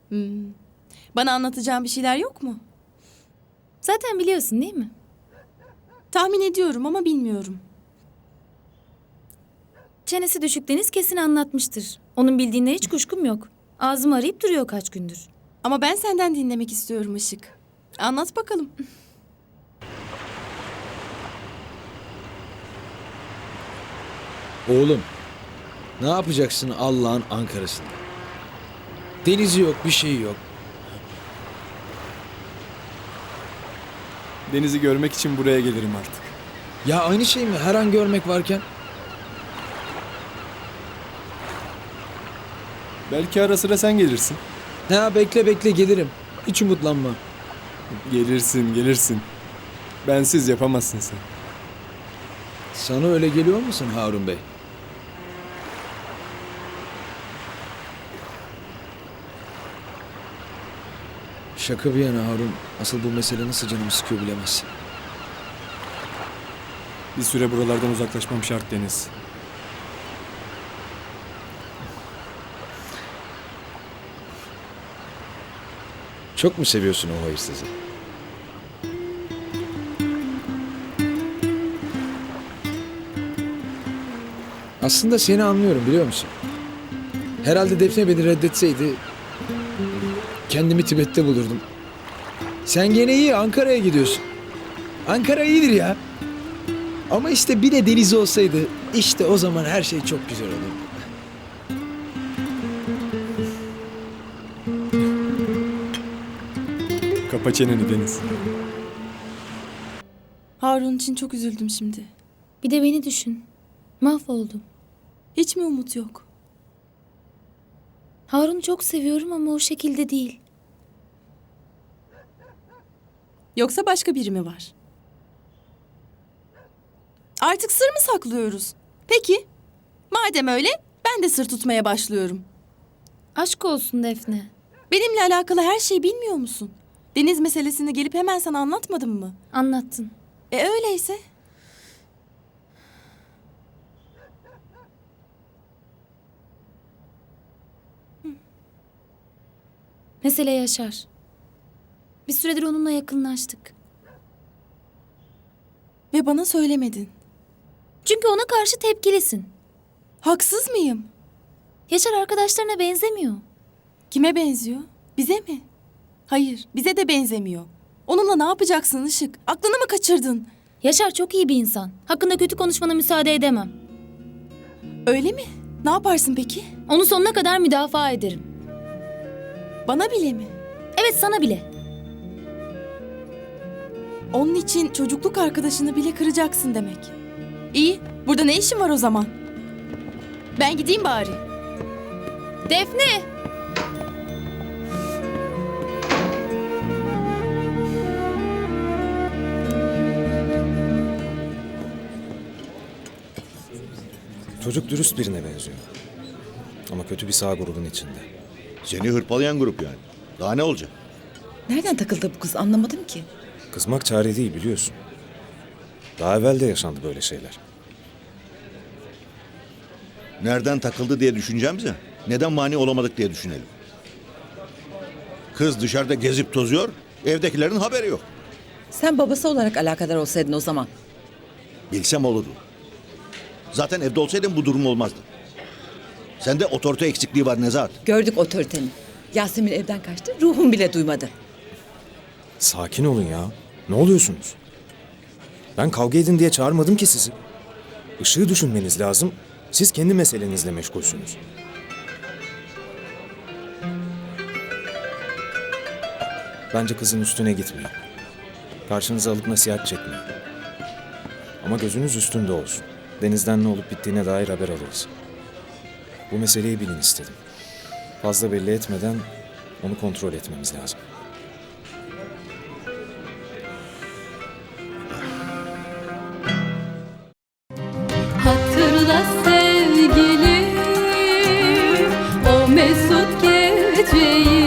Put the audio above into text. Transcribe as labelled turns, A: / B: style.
A: Bana anlatacağın bir şeyler yok mu?
B: Zaten biliyorsun değil mi?
A: Tahmin ediyorum ama bilmiyorum.
B: Çenesi düşük Deniz kesin anlatmıştır. Onun bildiğine hiç kuşkum yok. Ağzımı arayıp duruyor kaç gündür.
A: Ama ben senden dinlemek istiyorum Işık. Anlat bakalım.
C: Oğlum, ne yapacaksın Allah'ın Ankara'sında? Denizi yok, bir şey yok.
D: Denizi görmek için buraya gelirim artık.
C: Ya aynı şey mi? Her an görmek varken.
D: Belki ara sıra sen gelirsin.
C: Ha bekle bekle gelirim. Hiç umutlanma.
D: Gelirsin. Bensiz yapamazsın sen.
C: Sana öyle geliyor musun Harun Bey? Şaka bir yana Harun. Asıl bu mesele nasıl canımı sıkıyor bilemezsin.
D: Bir süre buralardan uzaklaşmam şart Deniz.
C: Çok mu seviyorsun o hayırsızı? Aslında seni anlıyorum biliyor musun? Herhalde Defne beni reddetseydi kendimi Tibet'te bulurdum. Sen gene iyi Ankara'ya gidiyorsun. Ankara iyidir ya. Ama işte bir de deniz olsaydı işte o zaman her şey çok güzel olurdu.
D: Kapa çeneni Deniz.
A: Harun için çok üzüldüm şimdi.
B: Bir de beni düşün. Mahvoldum.
A: Hiç mi umut yok?
B: Harun'u çok seviyorum ama o şekilde değil.
A: Yoksa başka biri mi var? Artık sır mı saklıyoruz? Peki. Madem öyle ben de sır tutmaya başlıyorum.
B: Aşk olsun Defne.
A: Benimle alakalı her şeyi bilmiyor musun? Deniz meselesini gelip hemen sana anlatmadım mı?
B: Anlattın.
A: Öyleyse.
B: Mesele Yaşar. Bir süredir onunla yakınlaştık.
A: Ve bana söylemedin.
B: Çünkü ona karşı tepkilisin.
A: Haksız mıyım?
B: Yaşar arkadaşlarına benzemiyor.
A: Kime benziyor? Bize mi? Hayır, bize de benzemiyor. Onunla ne yapacaksın Işık? Aklını mı kaçırdın?
B: Yaşar çok iyi bir insan. Hakkında kötü konuşmana müsaade edemem.
A: Öyle mi? Ne yaparsın peki?
B: Onu sonuna kadar müdafaa ederim.
A: Bana bile mi?
B: Evet sana bile.
A: Onun için çocukluk arkadaşını bile kıracaksın demek. İyi, burada ne işin var o zaman? Ben gideyim bari.
B: Defne!
E: Çocuk dürüst birine benziyor. Ama kötü bir sağ grubun içinde.
F: Seni hırpalayan grup yani. Daha ne olacak?
G: Nereden takıldı bu kız anlamadım ki.
E: Kızmak çare değil biliyorsun. Daha evvel de yaşandı böyle şeyler.
F: Nereden takıldı diye düşüneceğimize neden mani olamadık diye düşünelim. Kız dışarıda gezip tozuyor, evdekilerin haberi yok.
G: Sen babası olarak alakadar olsaydın o zaman.
F: Bilsem olurdu. Zaten evde olsaydın bu durum olmazdı. Sende otorite eksikliği var Nezahat.
G: Gördük otoriteni. Yasemin evden kaçtı, ruhum bile duymadı.
E: Sakin olun ya. Ne oluyorsunuz? Ben kavga edin diye çağırmadım ki sizi. Işığı düşünmeniz lazım. Siz kendi meselenizle meşgulsünüz. Bence kızın üstüne gitmeyin. Karşınıza alıp nasihat çekmeyin. Ama gözünüz üstünde olsun. Denizden ne olup bittiğine dair haber alırız. Bu meseleyi bilin istedim. Fazla belli etmeden onu kontrol etmemiz lazım.
H: Hatırla sevgilim o mesut geceyi.